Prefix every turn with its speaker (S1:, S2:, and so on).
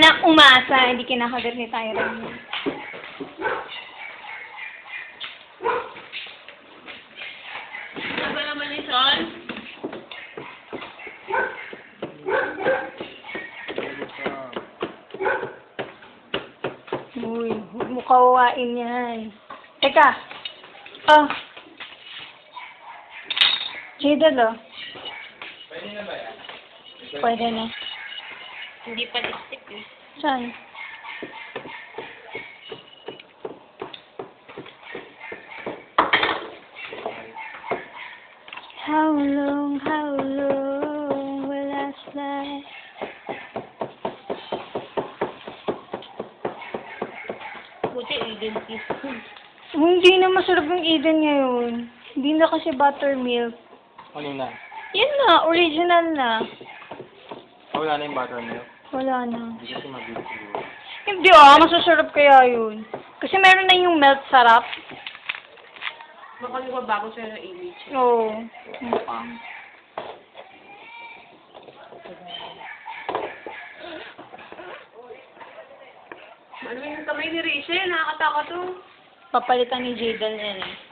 S1: nang umasa. Hindi kinakagat ni Tyron.
S2: Ano ba naman ni Sean?
S1: Uy, huwag mo kawawain yan. Teka. Oh. Jadal, oh.
S3: Pwede na ba yan?
S1: Pwede na.
S2: Hindi pa lipstick eh.
S1: Saan? How long will last life?
S2: Buti Eden kiss.
S1: Hindi na masarap yung Eden ngayon. Hindi na kasi buttermilk.
S3: Ano na?
S1: Yan na, original na.
S3: Wala na yung buttermilk.
S1: Wala na.
S3: Hindi kasi mabilis siguro.
S1: Hindi masasarap kaya yun. Kasi meron na yung melt sarap.
S2: Baka bago sa'yo ng image.
S1: Oo. Mukhang.
S2: Ano yung kamay ni Rachel? Nakakataka to.
S1: Papalitan ni Jadal yan eh.